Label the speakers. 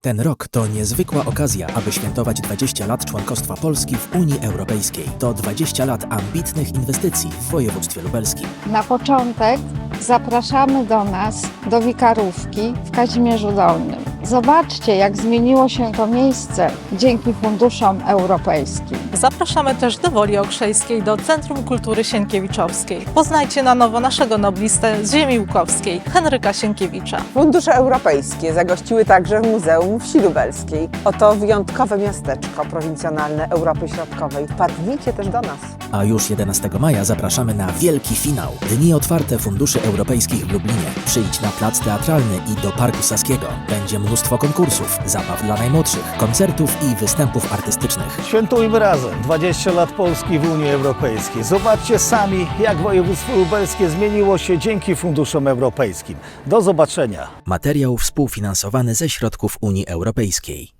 Speaker 1: Ten rok to niezwykła okazja, aby świętować 20 lat członkostwa Polski w Unii Europejskiej. To 20 lat ambitnych inwestycji w województwie lubelskim.
Speaker 2: Na początek zapraszamy do nas, do Wikarówki w Kazimierzu Dolnym. Zobaczcie, jak zmieniło się to miejsce dzięki funduszom europejskim.
Speaker 3: Zapraszamy też do Woli Okrzejskiej, do Centrum Kultury Sienkiewiczowskiej. Poznajcie na nowo naszego noblistę z ziemi łukowskiej, Henryka Sienkiewicza.
Speaker 4: Fundusze europejskie zagościły także w Muzeum Wsi Lubelskiej. Oto wyjątkowe miasteczko prowincjonalne Europy Środkowej. Wpadnijcie też do nas.
Speaker 1: A już 11 maja zapraszamy na wielki finał. Dni otwarte funduszy europejskich w Lublinie. Przyjdź na plac teatralny i do Parku Saskiego. Będzie mnóstwo konkursów, zabaw dla najmłodszych, koncertów i występów artystycznych.
Speaker 5: Świętujmy razem 20 lat Polski w Unii Europejskiej. Zobaczcie sami, jak województwo lubelskie zmieniło się dzięki funduszom europejskim. Do zobaczenia.
Speaker 1: Materiał współfinansowany ze środków Unii Europejskiej.